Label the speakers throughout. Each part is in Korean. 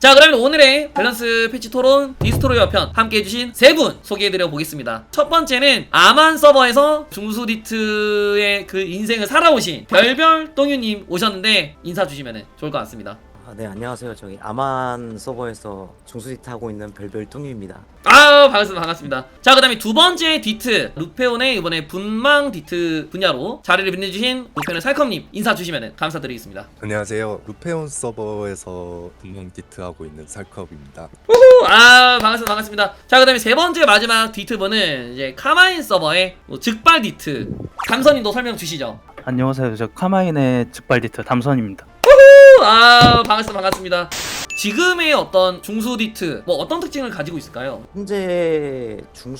Speaker 1: 자, 그러면 오늘의 밸런스 패치 토론 디스토로이어 편 함께 해주신 세 분 소개해드려 보겠습니다. 첫 번째는 아만 서버에서 중수디트의 그 인생을 살아오신 별별 똥유님 오셨는데 인사 주시면 좋을 것 같습니다.
Speaker 2: 네, 안녕하세요. 저기 아만 서버에서 중수디트 하고 있는 별별 뚱이입니다.
Speaker 1: 아, 반갑습니다. 자, 그 다음에 두 번째 디트 루페온의 이번에 분망 디트 분야로 자리를 빛내주신 루페온의 살컴님 인사 주시면 감사드리겠습니다.
Speaker 3: 안녕하세요. 루페온 서버에서 분명 디트 하고 있는 살컵입니다.
Speaker 1: 아, 반갑습니다. 자, 그 다음에 세 번째 마지막 디트 분은 이제 카마인 서버의 즉발 디트 담선님도 설명 주시죠.
Speaker 4: 안녕하세요. 저 카마인의 즉발디트 담선입니다.
Speaker 1: 아, 반갑습니다. 지금의 어떤 중수 디트 뭐 어떤 특징을 가지고 있을까요?
Speaker 2: 현재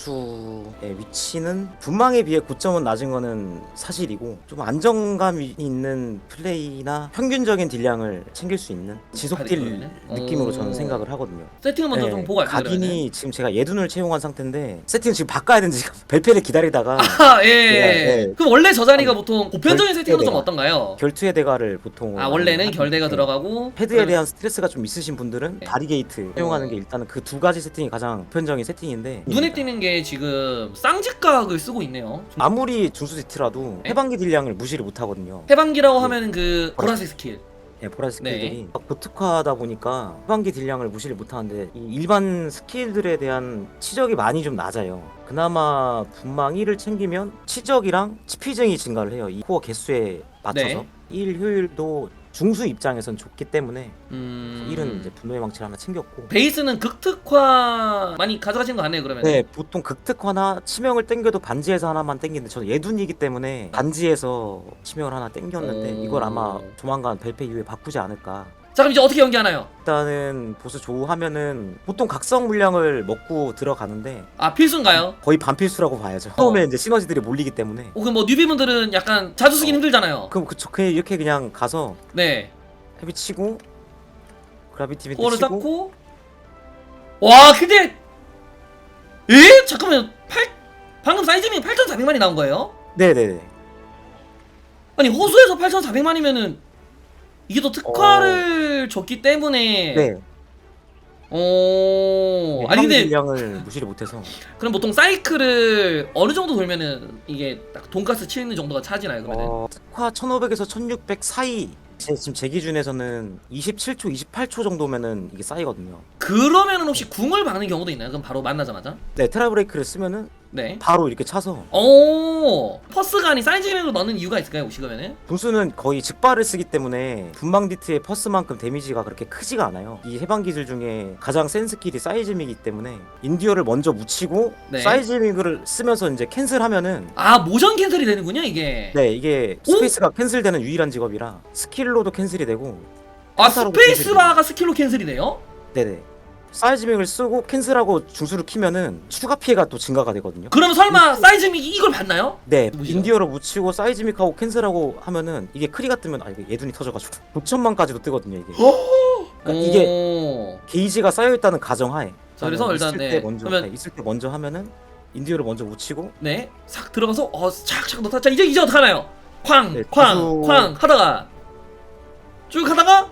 Speaker 2: 중수의 위치는 분망에 비해 고점은 낮은 거는 사실이고 좀 안정감이 있는 플레이나 평균적인 딜량을 챙길 수 있는 지속딜
Speaker 1: 그러면은?
Speaker 2: 느낌으로 저는 생각을 하거든요.
Speaker 1: 세팅을 먼저 좀 보고 갈게요.
Speaker 2: 각인이 지금 제가 예둔을 채용한 상태인데 세팅을 지금 바꿔야 되는지 지금 벨페를 기다리다가
Speaker 1: 아, 예.
Speaker 2: 예.
Speaker 1: 그럼 원래 저 자리가 보통 보편적인 세팅으로 좀
Speaker 2: 결대가.
Speaker 1: 어떤가요?
Speaker 2: 결투의 대가를 보통
Speaker 1: 아, 원래는
Speaker 2: 하는데
Speaker 1: 결대가 들어가고
Speaker 2: 패드에 대한 스트레스가 좀 있으신 분들은
Speaker 1: 네.
Speaker 2: 바리게이트 사용하는 게 일단은 그 두 가지 세팅이 가장 보편적인 세팅인데
Speaker 1: 눈에 띄는 게 지금 쌍직각을 쓰고 있네요.
Speaker 2: 아무리 중수디트라도
Speaker 1: 네.
Speaker 2: 해방기 딜량을 무시를 못 하거든요.
Speaker 1: 해방기라고 하면은 그 보라색 스킬.
Speaker 2: 네, 보라색
Speaker 1: 네.
Speaker 2: 스킬들이 고특화하다 보니까 해방기 딜량을 무시를 못 하는데 이 일반 스킬들에 대한 치적이 많이 좀 낮아요. 그나마 분망 1을 챙기면 치적이랑 치피증이 증가를 해요. 이 코어 개수에 맞춰서
Speaker 1: 네.
Speaker 2: 1 효율도 중수 입장에선 좋기 때문에 1은 이제
Speaker 1: 음.
Speaker 2: 분노의 망치를 하나 챙겼고
Speaker 1: 베이스는 극특화 많이 가져가신 거 같네요, 그러면.
Speaker 2: 네, 보통 극특화나 치명을 땡겨도 반지에서 하나만 땡기는데 저는 예둔이기 때문에 반지에서 치명을 하나 땡겼는데 이걸 아마 조만간 벨페 이후에 바꾸지 않을까.
Speaker 1: 자, 그럼 이제 어떻게 연기하나요?
Speaker 2: 일단은 보스 조우하면은 보통 각성 물량을 먹고 들어가는데
Speaker 1: 아, 필수인가요?
Speaker 2: 거의 반필수라고 봐야죠. 처음에 이제 시너지들이 몰리기 때문에.
Speaker 1: 그럼 뭐 뉴비분들은 약간 자주 쓰긴 힘들잖아요.
Speaker 2: 그럼 그냥 이렇게 그냥 가서
Speaker 1: 네.
Speaker 2: 헤비 치고 그라비티 빈트
Speaker 1: 코어를
Speaker 2: 치고
Speaker 1: 쌓고. 와, 근데 에? 잠깐만요. 방금 사이즈밍 8,400만이 나온 거예요?
Speaker 2: 네네네.
Speaker 1: 아니, 호수에서 8,400만이면은 이게 또 특화를 줬기 때문에.
Speaker 2: 네.
Speaker 1: 아니 근데
Speaker 2: 딜량을 무시를 못해서
Speaker 1: 그럼 보통 사이클을 어느 정도 돌면은 이게 딱 돈가스 치는 정도가 차지나요, 그러면은?
Speaker 2: 특화 1500에서 1600 사이 지금 제 기준에서는 27초, 28초 정도면은 이게 쌓이거든요.
Speaker 1: 그러면은 혹시 궁을 박는 경우도 있나요? 그럼 바로 만나자마자?
Speaker 2: 네, 트라브레이크를 쓰면은
Speaker 1: 네.
Speaker 2: 바로 이렇게 차서
Speaker 1: 퍼스가 아닌 사이즈맥으로 넣는 이유가 있을까요, 혹시 그러면은?
Speaker 2: 분수는 거의 즉발을 쓰기 때문에 분망디트의 퍼스만큼 데미지가 그렇게 크지가 않아요. 이 해방 기술 중에 가장 센 스킬이 사이즈믹이기 때문에 인디어를 먼저 묻히고
Speaker 1: 네.
Speaker 2: 사이즈믹을 쓰면서 이제 캔슬하면은
Speaker 1: 아, 모션 캔슬이 되는군요, 이게.
Speaker 2: 네, 이게
Speaker 1: 오?
Speaker 2: 스페이스가 캔슬되는 유일한 직업이라 스킬로도 캔슬이 되고
Speaker 1: 아,
Speaker 2: 한타로도
Speaker 1: 스페이스바가 스킬로 캔슬이 돼요?
Speaker 2: 네네. 사이즈믹을 쓰고 캔슬하고 중수를 키면은 추가 피해가 또 증가가 되거든요.
Speaker 1: 그럼 설마 사이즈믹이 이걸 봤나요?
Speaker 2: 네,
Speaker 1: 뭐죠?
Speaker 2: 인디어로 묻히고 사이즈믹하고 캔슬하고 하면은 이게 크리가 뜨면 이게 예둔이 터져가지고 9천만까지도 뜨거든요 이게. 그러니까 이게 게이지가 쌓여있다는 가정하에.
Speaker 1: 자, 그래서 일단
Speaker 2: 있을
Speaker 1: 네.
Speaker 2: 때 먼저
Speaker 1: 그러면
Speaker 2: 있을 때 먼저 하면은 인디어를 먼저 묻히고
Speaker 1: 네, 싹 들어가서 착착 넣다. 자, 이제 어떡하나요? 쾅,
Speaker 2: 네,
Speaker 1: 쾅,
Speaker 2: 구조-
Speaker 1: 쾅 하다가 쭉 하다가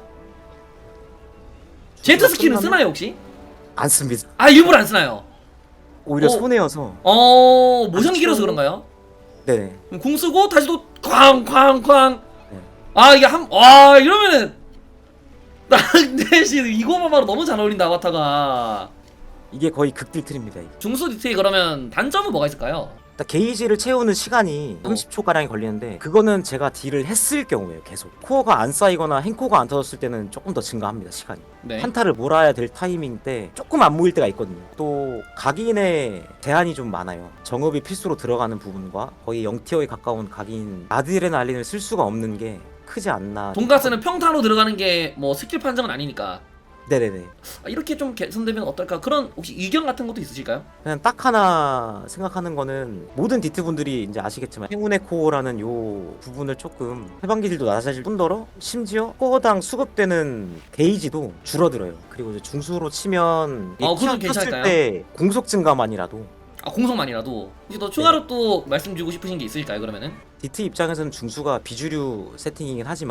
Speaker 1: 제트 스킬은
Speaker 2: 끝나면
Speaker 1: 쓰나요 혹시?
Speaker 2: 안 씁니다.
Speaker 1: 아, 일부러 안 쓰나요?
Speaker 2: 오히려
Speaker 1: 어.
Speaker 2: 손해여서.
Speaker 1: 모션이 길어서
Speaker 2: 쓰고-
Speaker 1: 그런가요?
Speaker 2: 네네.
Speaker 1: 그럼 궁 쓰고 다시 또 쾅, 쾅, 쾅.
Speaker 2: 네.
Speaker 1: 아, 이게 이러면은 나 대신 이거만 봐도 너무 잘 어울린다, 아바타가.
Speaker 2: 이게 거의 극딜트입니다.
Speaker 1: 중수 디테일 그러면 단점은 뭐가 있을까요?
Speaker 2: 딱 게이지를 채우는 시간이 30초 가량이 걸리는데 그거는 제가 딜을 했을 경우에요. 계속 코어가 안 쌓이거나 행코가 안 터졌을 때는 조금 더 증가합니다. 시간이.
Speaker 1: 네.
Speaker 2: 한타를 몰아야 될 타이밍 때 조금 안 모일 때가 있거든요. 또 각인의 제한이 좀 많아요. 정업이 필수로 들어가는 부분과 거의 0티어에 가까운 각인 아드레날린을 쓸 수가 없는 게 크지 않나.
Speaker 1: 돈가스는 평타로 들어가는 게 뭐 스킬 판정은 아니니까.
Speaker 2: 네네네.
Speaker 1: 이렇게 좀 개선되면 어떨까? 그런 혹시 의견 같은 것도 있으실까요?
Speaker 2: 그냥 딱 하나 생각하는 거는 모든 디트 분들이 이제 아시겠지만 행운의 코어라는 요 부분을 조금 해방기질도 낮아질 뿐더러 심지어 코어당 수급되는 게이지도 줄어들어요. 그리고 이제 중수로 치면
Speaker 1: 그건
Speaker 2: 켰을
Speaker 1: 괜찮을까요?
Speaker 2: 때 공속 증가만이라도
Speaker 1: 공성만이라도 이제 더 추가로 또 말씀 주고 싶으신 게 있을까요? 그러면은
Speaker 2: 디트 입장에서는 중수가 비주류 세팅이긴 하지만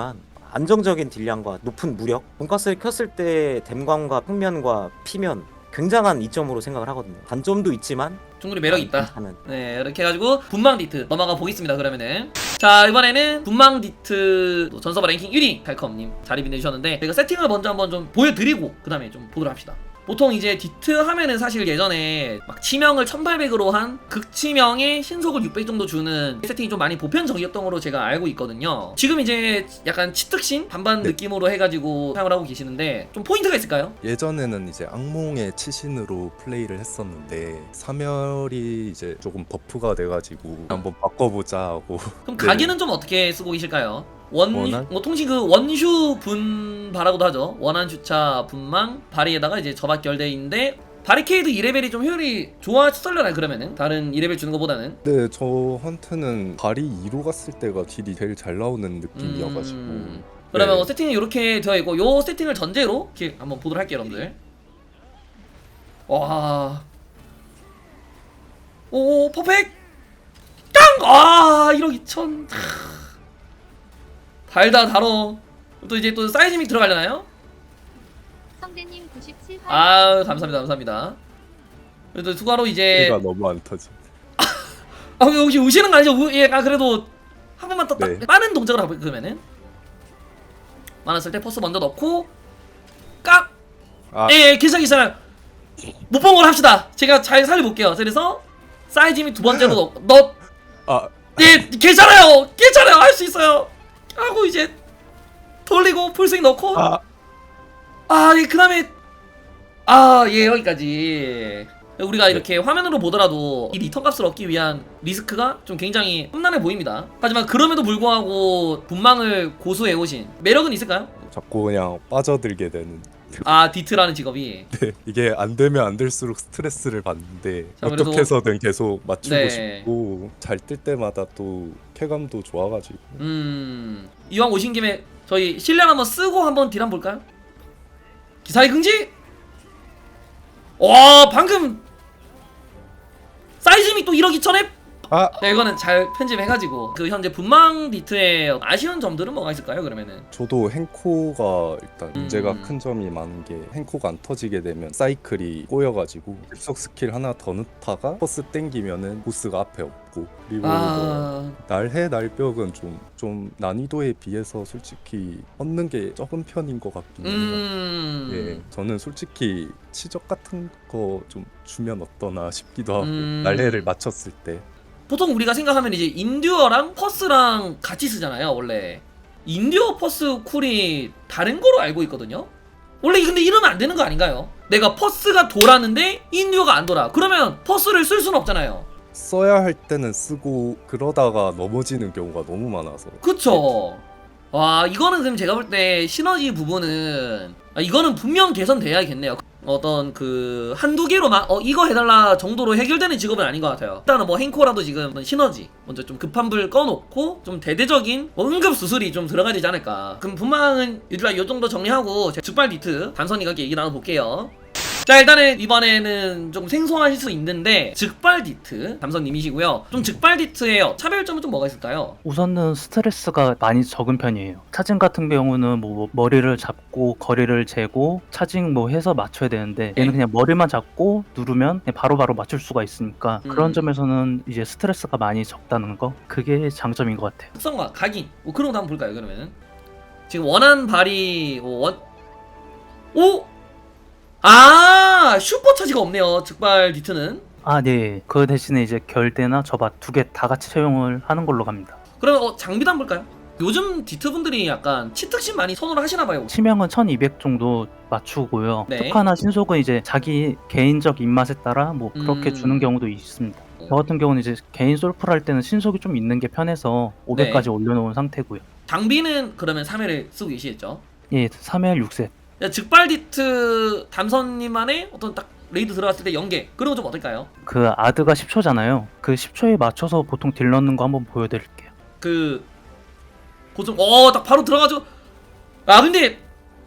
Speaker 2: 안정적인 딜량과 높은 무력, 돈가스를 켰을 때 댐광과 평면과 피면 굉장한 이점으로 생각을 하거든요. 단점도 있지만
Speaker 1: 충분히 매력이 있다.
Speaker 2: 괜찮은.
Speaker 1: 네, 이렇게 해가지고 분망 디트 넘어가 보겠습니다. 그러면은 자, 이번에는 분망 디트 전서버 랭킹 1위 칼컴님 자리 빛내주셨는데 제가 세팅을 먼저 한번 좀 보여드리고 그 다음에 좀 보도록 합시다. 보통 이제 디트 하면은 사실 예전에 막 치명을 1800으로 한 극치명에 신속을 600 정도 주는 세팅이 좀 많이 보편적이었던 걸로 제가 알고 있거든요. 지금 이제 약간 치특신 반반
Speaker 3: 네.
Speaker 1: 느낌으로 해가지고 사용을 하고 계시는데 좀 포인트가 있을까요?
Speaker 3: 예전에는 이제 악몽의 치신으로 플레이를 했었는데 사멸이 이제 조금 버프가 돼가지고 한번 바꿔보자 하고
Speaker 1: 그럼
Speaker 3: 네.
Speaker 1: 가기는 좀 어떻게 쓰고 계실까요?
Speaker 3: 원한?
Speaker 1: 뭐 통신 그 원슈 분바라고도 하죠. 원한 슈차 분망 바리에다가 이제 저박 결대인데 바리케이드 2레벨이 좀 효율이 좋아졌려나요? 그러면은 다른 2레벨 주는 것보다는.
Speaker 3: 네, 저한테는 발이 2로 갔을 때가 딜이 제일 잘 나오는 느낌이어가지고
Speaker 1: 그러면
Speaker 3: 네.
Speaker 1: 뭐 세팅이 이렇게 되어 있고 요 세팅을 전제로 이렇게 한번 보도록 할게요, 여러분들. 와, 오 퍼펙트 깡! 아 1억 2천. 달다 달어. 또 이제 또 사이즈믹 들어가려나요?
Speaker 5: 성대님 97화
Speaker 1: 아 감사합니다, 감사합니다. 그래도 추가로 이제
Speaker 3: 가 너무 안 터지.
Speaker 1: 아 혹시 우시는 거 아니죠? 예, 아 그래도 한 번만 더 딱
Speaker 3: 네.
Speaker 1: 빠른 동작을 하고 그러면은 많았을 때 퍼스 먼저 넣고 깍.
Speaker 3: 아.
Speaker 1: 예, 괜찮아요. 못 본 걸 합시다. 제가 잘 살려볼게요. 그래서 사이즈믹 두 번째로 넣.
Speaker 3: 아,
Speaker 1: 예, 괜찮아요. 할 수 있어요. 하고 이제 돌리고 풀스윙 넣고 예, 그 다음에 예, 여기까지. 우리가 이렇게 화면으로 보더라도 이 리턴 값을 얻기 위한 리스크가 좀 굉장히 험난해 보입니다. 하지만 그럼에도 불구하고 분망을 고수해오신 매력은 있을까요?
Speaker 3: 자꾸 그냥 빠져들게 되는.
Speaker 1: 아, 디트라는 직업이.
Speaker 3: 네, 이게 안 되면 안 될수록 스트레스를 받는데
Speaker 1: 자, 그래도-
Speaker 3: 어떻게 해서든 계속 맞추고
Speaker 1: 네.
Speaker 3: 싶고 잘 뜰 때마다 또 쾌감도 좋아가지고
Speaker 1: 이왕 오신 김에 저희 실력 한번 쓰고 한번 딜 한번 볼까요? 기사의 긍지! 와, 방금 사이즈믹 또 1억 2천에 네, 이거는 잘 편집해가지고 그 현재 분망 디트의 아쉬운 점들은 뭐가 있을까요? 그러면은
Speaker 3: 저도 행코가 일단 문제가
Speaker 1: 음.
Speaker 3: 큰 점이 많은 게 행코가 안 터지게 되면 사이클이 꼬여가지고 급속 스킬 하나 더 넣다가 퍼스 땡기면은 보스가 앞에 없고 그리고 뭐 날해 날벽은 좀 난이도에 비해서 솔직히 얻는 게 적은 편인 것 같긴 해요. 예, 저는 솔직히 치적 같은 거 좀 주면 어떠나 싶기도 하고 날해를 맞췄을 때
Speaker 1: 보통 우리가 생각하면 이제 인듀어랑 퍼스랑 같이 쓰잖아요, 원래. 인듀어 퍼스 쿨이 다른 거로 알고 있거든요. 원래 근데 이러면 안 되는 거 아닌가요? 내가 퍼스가 돌았는데 인듀어가 안 돌아. 그러면 퍼스를 쓸 수는 없잖아요.
Speaker 3: 써야 할 때는 쓰고 그러다가 넘어지는 경우가 너무 많아서
Speaker 1: 그쵸. 와, 이거는 그럼 제가 볼 때 시너지 부분은 이거는 분명 개선돼야겠네요. 어떤 그 한두 개로만 이거 해달라 정도로 해결되는 직업은 아닌 것 같아요. 일단은 뭐 행코라도 지금 시너지 먼저 좀 급한 불 꺼놓고 좀 대대적인 뭐 응급 수술이 좀 들어가야 되지 않을까. 그럼 분망은 일단 요 정도 정리하고 제 죽발 디트 담선이가 얘기 나눠볼게요. 자, 일단은 이번에는 좀 생소하실 수 있는데 즉발 디트 담선님이시고요. 좀 즉발 디트의 차별점은 좀 뭐가 있을까요?
Speaker 4: 우선은 스트레스가 많이 적은 편이에요. 차징 같은 경우는 뭐 머리를 잡고 거리를 재고 차징 뭐 해서 맞춰야 되는데 얘는 그냥 머리만 잡고 누르면 그냥 바로바로 맞출 수가 있으니까 그런 점에서는 이제 스트레스가 많이 적다는 거, 그게 장점인 것 같아요.
Speaker 1: 특성과 각인 뭐 그런 것도 한번 볼까요? 그러면은 지금 원한 발이 슈퍼 차지가 없네요. 즉발 디트는.
Speaker 4: 아, 네. 그 대신에 이제 결대나 저밭 두 개 다 같이 채용을 하는 걸로 갑니다.
Speaker 1: 그러면 장비도 한번 볼까요? 요즘 디트 분들이 약간 치특신 많이 선호를 하시나봐요.
Speaker 4: 치명은 1200 정도 맞추고요.
Speaker 1: 네.
Speaker 4: 특화나 신속은 이제 자기 개인적 입맛에 따라 뭐 그렇게 주는 경우도 있습니다. 저 같은 경우는 이제 개인 솔플 할 때는 신속이 좀 있는 게 편해서 500까지 올려놓은 상태고요.
Speaker 1: 장비는 그러면 3회를 쓰고 계시겠죠?
Speaker 4: 예, 3회 6셋.
Speaker 1: 즉발 디트 담선님만의 어떤 딱 레이드 들어갔을 때 연계 그런 거 좀 어떨까요?
Speaker 4: 그 아드가 10초잖아요. 그 10초에 맞춰서 보통 딜 넣는 거 한번 보여드릴게요.
Speaker 1: 그 고정 딱 바로 들어가죠. 근데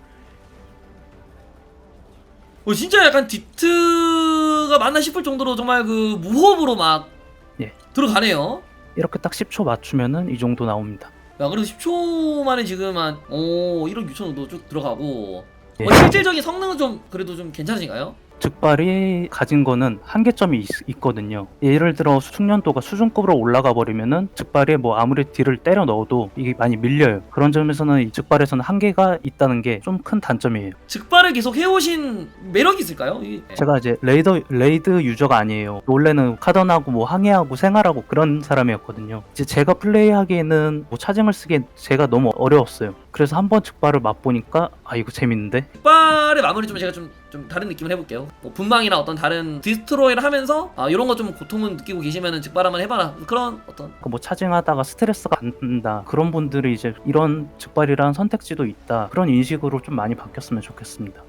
Speaker 1: 진짜 약간 디트가 맞나 싶을 정도로 정말 그 무호흡으로 막
Speaker 4: 예.
Speaker 1: 들어가네요.
Speaker 4: 이렇게 딱 10초 맞추면은 이 정도 나옵니다.
Speaker 1: 야 그래도 10초 만에 지금 한 1억 6천 정도 쭉 들어가고
Speaker 4: 예.
Speaker 1: 실질적인 성능은 좀 그래도 좀 괜찮으신가요?
Speaker 4: 즉발이 가진 거는 한계점이 있거든요. 예를 들어 숙련도가 수준급으로 올라가 버리면은 즉발에 뭐 아무리 딜을 때려 넣어도 이게 많이 밀려요. 그런 점에서는 이 즉발에서는 한계가 있다는 게 좀 큰 단점이에요.
Speaker 1: 즉발을 계속 해오신 매력이 있을까요?
Speaker 4: 제가 이제 레이드 유저가 아니에요. 원래는 카던하고 뭐 항해하고 생활하고 그런 사람이었거든요. 이제 제가 플레이하기에는 뭐 차징을 쓰기엔 제가 너무 어려웠어요. 그래서 한번 즉발을 맛보니까 아 이거 재밌는데?
Speaker 1: 즉발의 마무리 좀 제가 좀 다른 느낌을 해볼게요. 뭐 분방이나 어떤 다른 디스트로이를 하면서 이런 거 좀 고통을 느끼고 계시면은 즉발 한번 해봐라 그런 어떤
Speaker 4: 뭐 차징하다가 스트레스가 안 든다 그런 분들이 이제 이런 즉발이라는 선택지도 있다 그런 인식으로 좀 많이 바뀌었으면 좋겠습니다.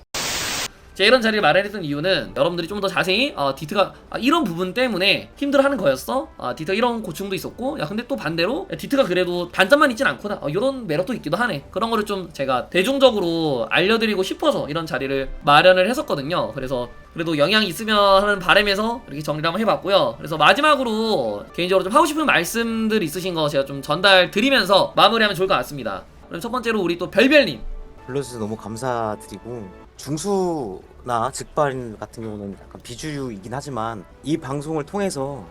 Speaker 1: 제가 이런 자리를 마련했던 이유는 여러분들이 좀 더 자세히 디트가 이런 부분 때문에 힘들어하는 거였어. 디트가 이런 고충도 있었고 야 근데 또 반대로 야, 디트가 그래도 단점만 있진 않구나. 이런 매력도 있기도 하네. 그런 거를 좀 제가 대중적으로 알려드리고 싶어서 이런 자리를 마련을 했었거든요. 그래서 그래도 영향이 있으면 하는 바람에서 이렇게 정리를 한번 해봤고요. 그래서 마지막으로 개인적으로 좀 하고 싶은 말씀들 있으신 거 제가 좀 전달 드리면서 마무리하면 좋을 것 같습니다. 그럼 첫 번째로 우리 또 별별님.
Speaker 2: 불러주셔서 너무 감사드리고, 중수나 즉발 같은 경우는 약간 비주류이긴 하지만 이 방송을 통해서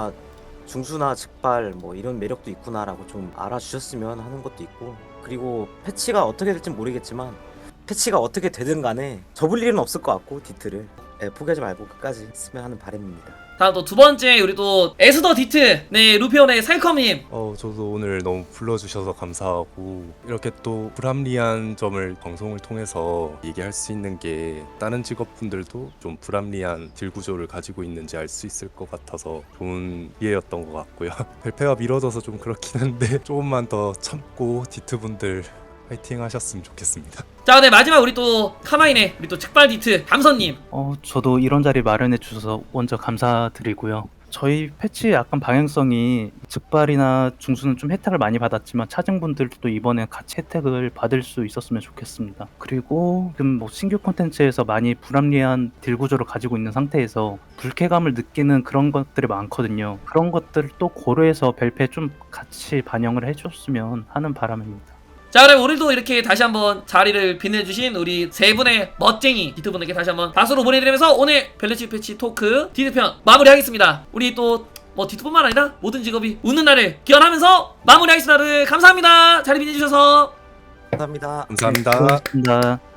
Speaker 2: 중수나 즉발 뭐 이런 매력도 있구나라고 좀 알아주셨으면 하는 것도 있고, 그리고 패치가 어떻게 될지 모르겠지만 패치가 어떻게 되든 간에 접을 일은 없을 것 같고 디트를 포기하지 말고 끝까지 했으면 하는 바람입니다.
Speaker 1: 다음 또 두 번째 우리 또 에스더 디트 네 루피온의 살컴님.
Speaker 3: 저도 오늘 너무 불러주셔서 감사하고 이렇게 또 불합리한 점을 방송을 통해서 얘기할 수 있는 게 다른 직업분들도 좀 불합리한 딜 구조를 가지고 있는지 알 수 있을 것 같아서 좋은 기회였던 것 같고요. 발표가 미뤄져서 좀 그렇긴 한데 조금만 더 참고 디트분들 파이팅 하셨으면 좋겠습니다.
Speaker 1: 자, 네 마지막 우리 또 카마인의 우리 또 즉발 디트 감선님.
Speaker 4: 저도 이런 자리 마련해 주셔서 먼저 감사드리고요. 저희 패치 약간 방향성이 즉발이나 중수는 좀 혜택을 많이 받았지만 차징분들도 이번에 같이 혜택을 받을 수 있었으면 좋겠습니다. 그리고 지금 뭐 신규 콘텐츠에서 많이 불합리한 딜 구조를 가지고 있는 상태에서 불쾌감을 느끼는 그런 것들이 많거든요. 그런 것들도 고려해서 벨페 좀 같이 반영을 해줬으면 하는 바람입니다.
Speaker 1: 자, 그럼 오늘도 이렇게 다시 한번 자리를 빛내주신 우리 세 분의 멋쟁이 디트분들께 다시 한번 박수로 보내드리면서 오늘 밸런스 패치 토크 디트편 마무리하겠습니다. 우리 또 뭐 디트뿐만 아니라 모든 직업이 웃는 날을 기원하면서 마무리하겠습니다. 감사합니다. 자리 빛내주셔서.
Speaker 2: 감사합니다.
Speaker 3: 감사합니다.
Speaker 4: 고맙습니다.